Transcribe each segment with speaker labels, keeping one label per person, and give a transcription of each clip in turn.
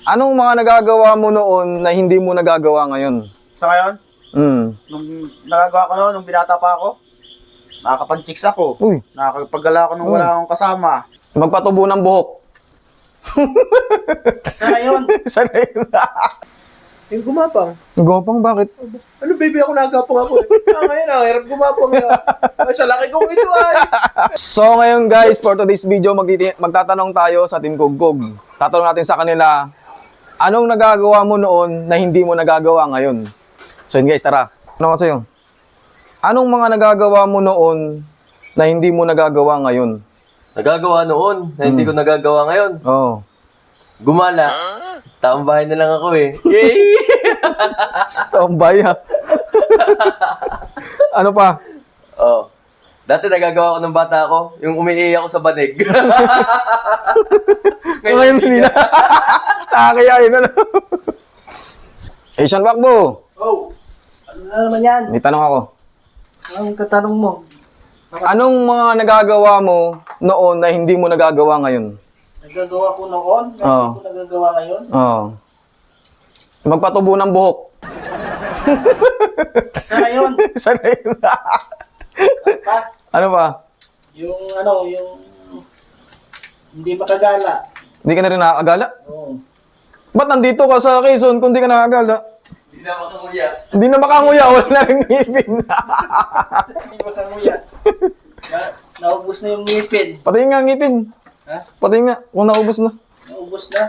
Speaker 1: Anong mga nagagawa mo noon na hindi mo nagagawa ngayon?
Speaker 2: Sa ngayon,
Speaker 1: Hmm.
Speaker 2: nung nagagawa ko noon, nung binata pa ako, nakakapag-chicks ako.
Speaker 1: Uy,
Speaker 2: Nakakapaggala ako nung wala akong kasama.
Speaker 1: magpatubo ng buhok.
Speaker 2: Sa ngayon,
Speaker 1: Sana yun.
Speaker 3: Yung gumapang.
Speaker 1: Gopang, bakit?
Speaker 3: Ano baby, ako nagapang ako eh. Ngayon, hirap gumapang na. Ay, sa laki kong ito ay.
Speaker 1: So ngayon guys, for today's video, magtatanong tayo sa Team Kugkog. Tatanong natin sa kanila, anong nagagawa mo noon na hindi mo nagagawa ngayon? So yun guys, tara. Ano ko sa'yo? Anong mga nagagawa mo noon na hindi mo nagagawa ngayon?
Speaker 4: Nagagawa noon na hindi ko nagagawa ngayon.
Speaker 1: Oo.
Speaker 4: Gumala. Taong bahay na lang ako eh. Yay!
Speaker 1: Tambay ha. Ano pa?
Speaker 4: Oh. Dati nagagawa ko ng bata ako, yung umiiyak ako sa banig.
Speaker 1: Ngayon hindi na. Nakakaya yun ano. Asian Bakbo,
Speaker 3: Oh, ano na naman yan?
Speaker 1: may tanong ako.
Speaker 3: Anong katanong mo?
Speaker 1: Anong mga nagagawa mo noon na hindi mo nagagawa ngayon?
Speaker 3: Nagagawa ko noon, na
Speaker 1: Oo.
Speaker 3: hindi ko nagagawa ngayon.
Speaker 1: Oo. Magpatubo ng buhok.
Speaker 3: Sa ngayon,
Speaker 1: Sana yun.
Speaker 3: pa,
Speaker 1: Ano pa?
Speaker 3: yung hindi makagala.
Speaker 1: Hindi ka na rin nakakagala?
Speaker 3: Oo.
Speaker 1: Ba't nandito ka sa Quezon kung di ka nakakagala?
Speaker 4: Hindi na makanguya.
Speaker 1: Hindi na makanguya, wala na rin ngipin.
Speaker 3: Hindi makanguya. Naubos na yung ngipin.
Speaker 1: Patayin nga ang ngipin.
Speaker 3: Ha?
Speaker 1: Patayin nga, kung naubos na.
Speaker 3: Naubos na.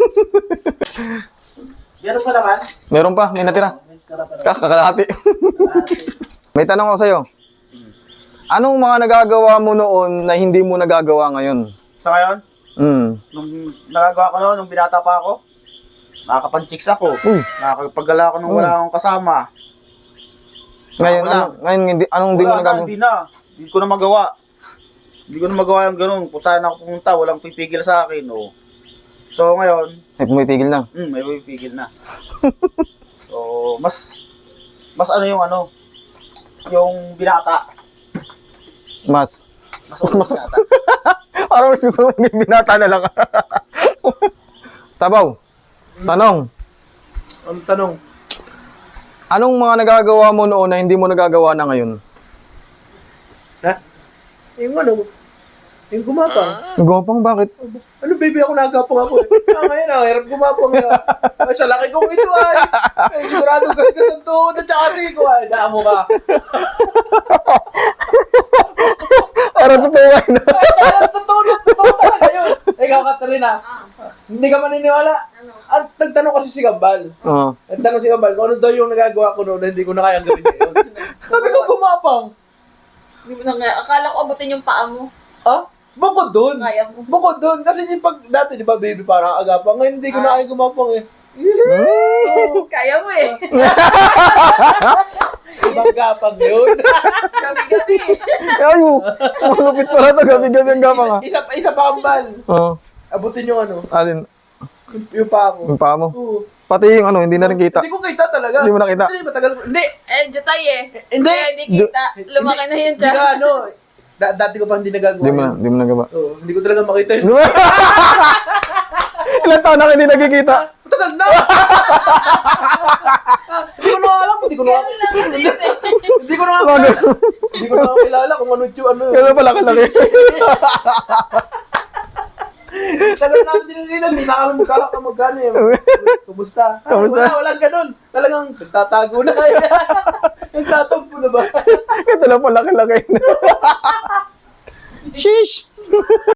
Speaker 3: Meron pa naman.
Speaker 1: Meron pa, may natira.
Speaker 3: May tira pa naman.
Speaker 1: Kakalahati.
Speaker 3: Kalahati.
Speaker 1: May tanong ako sa'yo. Anong mga nagagawa mo noon na hindi mo nagagawa ngayon?
Speaker 2: sa ngayon,
Speaker 1: Hmm.
Speaker 2: nung nagagawa ko noon, nung binata pa ako, nakakapag-chicks ako.
Speaker 1: Uy.
Speaker 2: Nakakapaggala ako nung wala akong kasama.
Speaker 1: Ngayon,
Speaker 2: Wala.
Speaker 1: ngayon anong hindi mo
Speaker 2: Wala na,
Speaker 1: nagagawa?
Speaker 2: hindi na. Hindi ko na magawa. Hindi ko na magawa yung ganun. Kung saan ako pumunta, walang pipigil sa akin. Oh. So ngayon,
Speaker 1: Ay, pumipigil na.
Speaker 2: may pipigil na. So, mas ano, yung binata.
Speaker 1: Mas.
Speaker 2: Mas
Speaker 1: Mas-
Speaker 2: binata.
Speaker 1: Parang mas gusto mo yung binata na lang. Tabaw. Tanong.
Speaker 3: Ang tanong,
Speaker 1: Anong mga nagagawa mo noon na hindi mo nagagawa na ngayon?
Speaker 3: ha? Yung yung gumapang.
Speaker 1: Gopang, bakit?
Speaker 3: Ano baby, ako nagapang ako eh. Ngayon, hirap gumapang na. Ay, sa laki kong ito ay. Ay, sigurado gasgas ang tuhod at saka siko ay. Daan mo ka.
Speaker 1: Para totoo na.
Speaker 3: Totoo talaga yun. Ikaw, Katarina. Hindi ka maniniwala. At nagtanong kasi si Gambal.
Speaker 1: Oo.
Speaker 3: Nagtanong si Gambal kung ano daw yung nagagawa ko noon na hindi ko na kayang gawin ngayon. Sabi ko, gumapang.
Speaker 5: Hindi mo na nga. Akala ko abutin yung paa mo.
Speaker 3: Ah? Bukod dun.
Speaker 5: Kaya mo.
Speaker 3: Bukod dun. Kasi yung pag dati, di ba, baby, parang agapang. Ngayon, hindi ko na kaya gumapang eh.
Speaker 5: Kaya mo eh.
Speaker 3: Ibang gapang yun.
Speaker 5: Gabi-gabi.
Speaker 1: Ay, malupit pala to. Gabi-gabi ang gapang ha.
Speaker 3: Isa pa Gambal.
Speaker 1: Oo.
Speaker 3: Abutin yung
Speaker 1: Alin?
Speaker 3: yung paa ko.
Speaker 1: Yung paa mo.
Speaker 3: Oo.
Speaker 1: Pati yung hindi na rin kita.
Speaker 3: Hindi ko kita talaga.
Speaker 1: Hindi mo nakita?
Speaker 3: Hindi, matagal ko. Hindi.
Speaker 5: Eh, jutay eh.
Speaker 3: Hindi.
Speaker 5: Kaya hindi kita. Lumaki na yun
Speaker 3: Hindi ka
Speaker 5: siya.
Speaker 3: ano. Dati ko pa hindi nagagawa.
Speaker 1: Hindi mo nagawa.
Speaker 3: Oo, hindi ko talaga makita yun.
Speaker 1: Ilan taon na hindi nagkikita?
Speaker 3: Matagal na! Hindi ko na alam. Hindi ko na
Speaker 5: Ganun lang kasi yun eh.
Speaker 3: Hindi ko na Hindi ko na kilala kung ano yung ano.
Speaker 1: Kaya pala kalaki.
Speaker 3: Tagal namin dinililan. Hindi na kami magkano eh. Kumusta?
Speaker 1: Kumusta?
Speaker 3: Walang ganun. Talagang nagtatago na. Nagtatampo na ba?
Speaker 1: Ito lang pala kalaki. Sheesh!